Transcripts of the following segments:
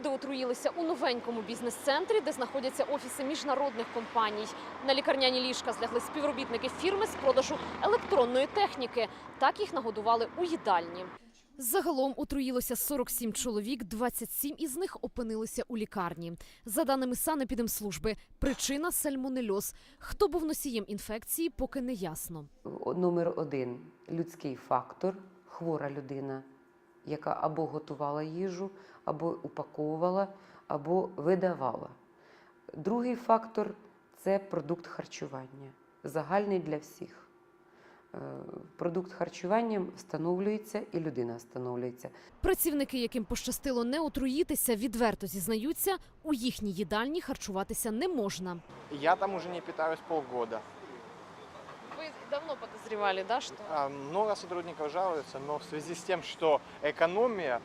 Люди отруїлися у новенькому бізнес-центрі, де знаходяться офіси міжнародних компаній. На лікарняні ліжка злягли співробітники фірми з продажу електронної техніки. Так їх нагодували у їдальні. Загалом отруїлося 47 чоловік, 27 із них опинилися у лікарні. За даними санепідемслужби, причина – сальмонельоз. Хто був носієм інфекції, поки не ясно. Номер один – людський фактор, хвора людина, яка або готувала їжу, або упаковувала, або видавала. Другий фактор – це продукт харчування, загальний для всіх. Продукт харчування встановлюється і людина встановлюється. Працівники, яким пощастило не отруїтися, відверто зізнаються, у їхній їдальні харчуватися не можна. Я там уже не питаюсь полгода. Ви давно підозрювали, да, що? Много сотрудников жалуются, но в связи с тем, что экономия,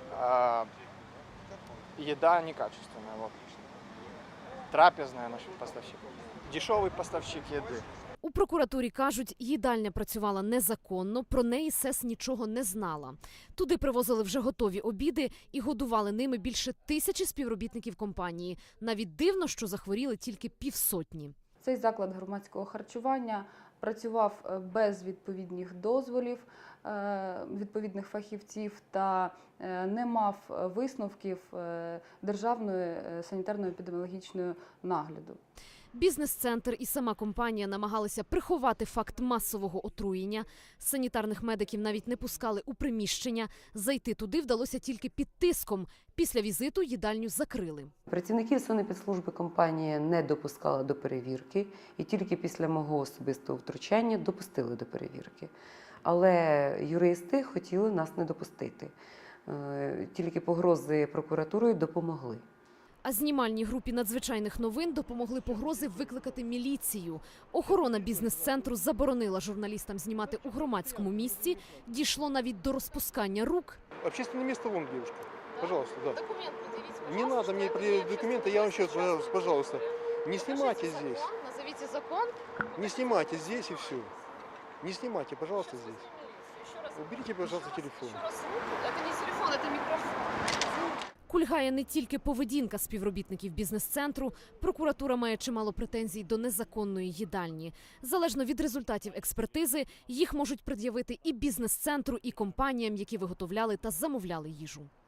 еда некачественная. Вот. Трапезная наш поставщик. Дешевый поставщик еды. У прокуратурі кажуть, їдальня працювала незаконно, про неї СЕС нічого не знала. Туди привозили вже готові обіди і годували ними більше 1000 співробітників компанії. Навіть дивно, що захворіли тільки півсотні. Цей заклад громадського харчування працював без відповідних дозволів, відповідних фахівців та не мав висновків Державної санітарно-епідеміологічної нагляду. Бізнес-центр і сама компанія намагалися приховати факт масового отруєння. Санітарних медиків навіть не пускали у приміщення. Зайти туди вдалося тільки під тиском. Після візиту їдальню закрили. Працівників санепідслужби компанія не допускала до перевірки і тільки після мого особистого втручання допустили до перевірки. Але юристи хотіли нас не допустити. Тільки погрози прокуратурою допомогли. А знімальній групі надзвичайних новин допомогли погрози викликати міліцію. Охорона бізнес-центру заборонила журналістам знімати у громадському місці. Дійшло навіть до розпускання рук. Общественное место вон, девушка. Пожалуйста, да. Документ предъявите, Не надо мне предъявить документы, я вам сейчас, пожалуйста. Не снимайте здесь. Назовите закон. Не снимайте здесь и все. Не снимайте, пожалуйста, здесь. Уберите, пожалуйста, телефон. Це не телефон, це мікрофон. Кульгає не тільки поведінка співробітників бізнес-центру. Прокуратура має чимало претензій до незаконної їдальні. Залежно від результатів експертизи, їх можуть пред'явити і бізнес-центру, і компаніям, які виготовляли та замовляли їжу.